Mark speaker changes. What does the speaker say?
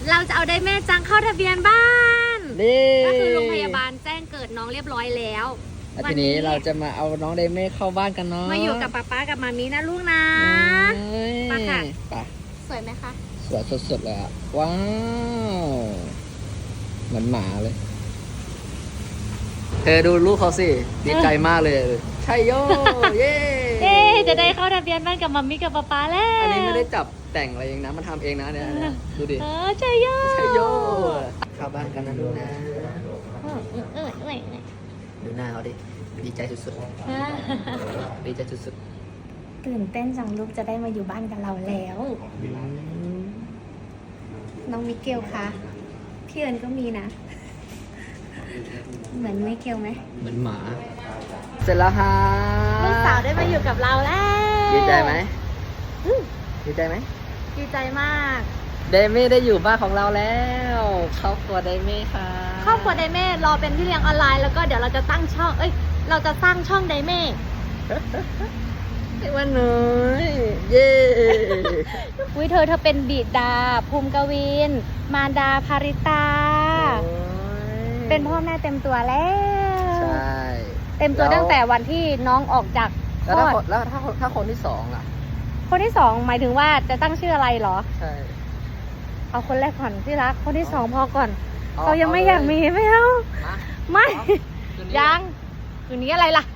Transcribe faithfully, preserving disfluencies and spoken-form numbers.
Speaker 1: เราจะเอาได้แม่จังเข้าทะเบียนบ้าน
Speaker 2: นี่
Speaker 1: ก็คือโรงพยาบาลแจ้งเกิดน้องเรียบร้อยแล้ว
Speaker 2: แล้วทีนี้เราจะมาเอาน้องไดเม่เข้าบ้านกันเนาะ
Speaker 1: มาอยู่กับป๊าป๊ากับมามีนะลูกนะ ไปค่ะ
Speaker 2: ไป
Speaker 1: สวยไหมคะ
Speaker 2: สวยสุดๆเลยอะว้าวเหมือนหมาเลย เธอดูลูกเขาสิดีใจมากเลยใช่โยเย้
Speaker 1: เอ๊จะได้เข้าทะเบียนบ้านกับมามีกับป๊าป๊าแล้ว
Speaker 2: อันนี้ไม่ได้จับแต่งอะไรเองนะมันทำเองนะเนี่ยเนี่ยดูดิ
Speaker 1: เออใช่โย
Speaker 2: ใช่โยเข้าบ้านกันนะลูกนะ
Speaker 1: เออเออเออเออ
Speaker 2: ดูหน้าเขาดิดีใจสุดๆดีใจสุด
Speaker 1: ตื่นเต้นจังลูกจะได้มาอยู่บ้านกับเราแล้ว น้องมิเกลคะพี่เอิญก็มีนะ เหมือนมิเกลไหม
Speaker 2: ๆเหมือนหมา เสร็จแล้วฮะ
Speaker 1: ลูกสาวได้มาอยู่กับเราแล้ว
Speaker 2: ดีใจไหมดีใจไหม
Speaker 1: ดีใจมาก
Speaker 2: เดมี่ได้อยู่บ้านของเราแล้วครอบครัวเดมี่ค่ะ
Speaker 1: ครอบครัวไดเม่รอเป็นพี่เลี้ยงออนไลน์แล้วก็เดี๋ยวเราจะตั้งช่องเอ้ยเราจะสร้างช่องไดเม่
Speaker 2: ไอ้วันน้อยเย้
Speaker 1: อุ้ยเธอเธอเป็นบิดาภูมิกวิน มารดาภาริตา
Speaker 2: โอ้ย
Speaker 1: เป็นพ่อแม่เต็มตัวแล้ว
Speaker 2: ใช่
Speaker 1: เต็มตัวตั้งแต่วันที่น้องออกจากค
Speaker 2: แล้ว
Speaker 1: ล
Speaker 2: ถ้า
Speaker 1: อ
Speaker 2: ค
Speaker 1: ด
Speaker 2: นแล้วถ้าคนถ้าคนที่สองล่ะ
Speaker 1: คนที่สองหมายถึงว่าจะตั้งชื่ออะไรเหรอ
Speaker 2: ใช่
Speaker 1: เอาคนแรกก่อนที่รัก คนที่สองพอก่อน
Speaker 2: เอา
Speaker 1: เขายังไม่
Speaker 2: เอาเลย
Speaker 1: อยากมีไม่เอา
Speaker 2: มา
Speaker 1: ไม่
Speaker 2: คืนนี้
Speaker 1: ยังคืนนี้อะไรล่ะ